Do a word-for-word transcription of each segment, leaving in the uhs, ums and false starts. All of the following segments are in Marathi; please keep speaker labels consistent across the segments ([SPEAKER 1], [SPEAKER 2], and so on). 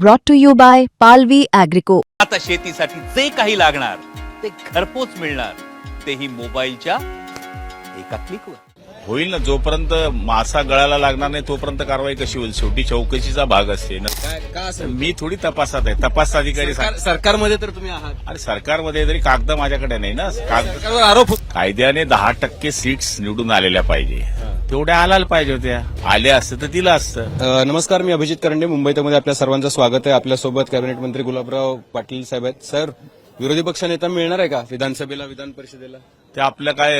[SPEAKER 1] brought to you by Palvi Agrico.
[SPEAKER 2] आता शेतीसाठी जे काही लागणार ते घरपोच मिळणार, तेही मोबाईलच्या एका क्लिकवर.
[SPEAKER 3] होईल ना. जोपर्यंत मासा गळाला लागणार नाही तोपर्यंत कारवाई कशी होईल? शेवटी चौकशीचा भाग असते ना.
[SPEAKER 4] काय का असं
[SPEAKER 3] मी थोडी तपासात आहे. तपास अधिकारी
[SPEAKER 4] सरकार-
[SPEAKER 3] सांग-
[SPEAKER 4] सरकारमध्ये तर तुम्ही आहात.
[SPEAKER 3] आणि सरकारमध्ये तरी कागद माझ्याकडे नाही ना. कागद
[SPEAKER 4] सरकारवर आरोप होत-
[SPEAKER 3] कायद्याने दहा टक्के सीट्स निवडून आलेल्या पाहिजे, तेवढ्या आलायला पाहिजे होत्या. आल्या असतं तर दिलं असतं.
[SPEAKER 4] अ, नमस्कार, मी अभिजित करंडे, मुंबई तमध्ये आपल्या सर्वांचं स्वागत आहे. आपल्यासोबत कॅबिनेट मंत्री गुलाबराव पाटील साहेब आहेत. सर, विरोधी पक्ष नेता मिळणार आहे का विधानसभेला, विधान परिषदेला?
[SPEAKER 3] ते आपल्या काय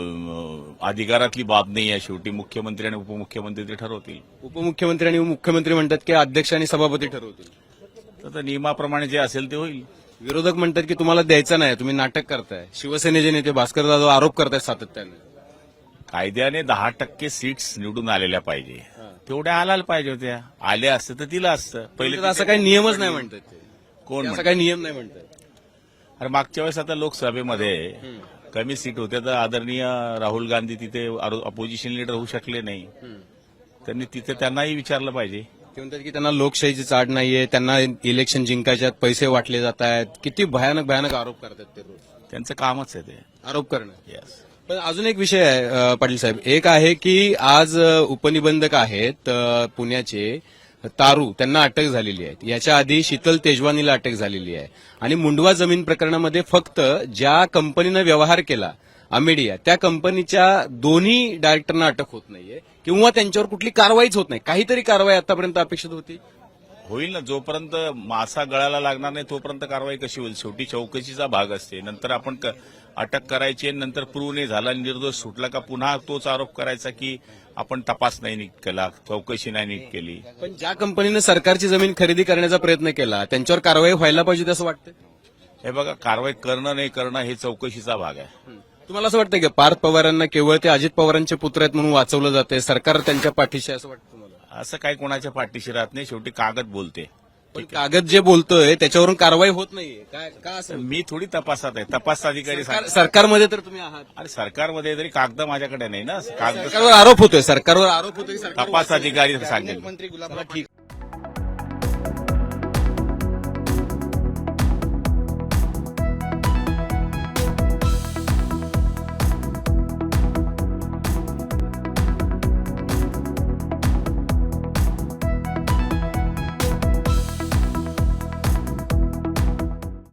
[SPEAKER 3] अं, अधिकारातली बाब नाही आहे. शेवटी मुख्यमंत्री आणि उपमुख्यमंत्री ते ठरवतील.
[SPEAKER 4] उपमुख्यमंत्री आणि मुख्यमंत्री म्हणतात की अध्यक्ष आणि सभापती ठरवतील.
[SPEAKER 3] तर ते नियमाप्रमाणे जे असेल ते होईल.
[SPEAKER 4] विरोधक म्हणतात की तुम्हाला द्यायचं नाही, तुम्ही नाटक करताय. शिवसेनेचे नेते भास्कर जाधव आरोप करतायत सातत्याने.
[SPEAKER 3] कायद्याने दहा टक्के सीट्स निवडून आलेल्या पाहिजे, तेवढ्या आलायला पाहिजे होत्या. आल्या असतं तर दिलं असतं.
[SPEAKER 4] पहिले तर असं काही नियमच नाही म्हणतात ते.
[SPEAKER 3] कोण
[SPEAKER 4] असं
[SPEAKER 3] म्हणतं?
[SPEAKER 4] काही नियम नाही म्हणतात.
[SPEAKER 3] अरे मागच्या वेळेस आता लोकसभेमध्ये कमी सीट होत्या तर आदरणीय राहुल गांधी तिथे अपोजिशन लीडर होऊ शकले नाही. त्यांनी तिथे त्यांनाही विचारलं पाहिजे.
[SPEAKER 4] ते म्हणतात की त्यांना लोकशाहीची चाड नाहीये, त्यांना इलेक्शन जिंकायच्यात पैसे वाटले जात आहेत. किती भयानक भयानक आरोप करतात ते रोज.
[SPEAKER 3] त्यांचं कामच आहे ते.
[SPEAKER 4] आरोप करणं.
[SPEAKER 3] येस.
[SPEAKER 4] पण अजून एक विषय आहे अ, पाटील साहेब. एक आहे की आज अ, उपनिबंधक आहेत अ, पुण्याचे तारू, त्यांना अटक झालेली आहे. याच्या आधी शीतल तेजवानीला अटक झालेली आहे. आणि मुंडवा जमीन प्रकरणामध्ये फक्त ज्या कंपनीनं व्यवहार केला अमेडिया, त्या कंपनीच्या दोन्ही डायरेक्टरना अटक होत नाहीये किंवा त्यांच्यावर कुठली कारवाईच होत नाही. काहीतरी कारवाई आतापर्यंत अपेक्षित होती.
[SPEAKER 3] होईल ना. जोपर्यंत मासा गळाला लागणार नाही तोपर्यंत कारवाई कशी होईल? शेवटी चौकशीचा भाग असते. नंतर आपण क- अटक करायची आणि नंतर प्रूव्ह नाही झाला, निर्दोष सुटला का पुन्हा तोच आरोप करायचा की आपण तपास नाही नीट केला, चौकशी नाही नीट केली.
[SPEAKER 4] पण ज्या कंपनीनं सरकारची जमीन खरेदी करण्याचा प्रयत्न केला त्यांच्यावर कारवाई व्हायला पाहिजे असं वाटतं.
[SPEAKER 3] हे बघा, कारवाई करणं नाही करणं हे चौकशीचा भाग आहे.
[SPEAKER 4] तुम्हाला असं वाटतं की पार्थ पवारांना केवळ ते अजित पवारांचे पुत्र आहेत म्हणून वाचवलं जाते, सरकार त्यांच्या पाठीशी आहे असं वाटतं तुम्हाला?
[SPEAKER 3] असं काही कोणाच्या पाठीशी राहत नाही. शेवटी कागद बोलते.
[SPEAKER 4] पण कागद जे बोलतोय त्याच्यावरून कारवाई होत नाहीये. काय का असं?
[SPEAKER 3] मी थोडी तपासात आहे. तपास अधिकारी
[SPEAKER 4] सरकार-
[SPEAKER 3] सांग-
[SPEAKER 4] सरकारमध्ये तर तुम्ही आहात.
[SPEAKER 3] अरे सरकारमध्ये तरी कागद माझ्याकडे नाही ना. कागद
[SPEAKER 4] सरकारवर आरोप होतोय, सरकारवर आरोप होतोय. सरकार
[SPEAKER 3] तपास अधिकारी सांगेल.
[SPEAKER 4] चला, ठीक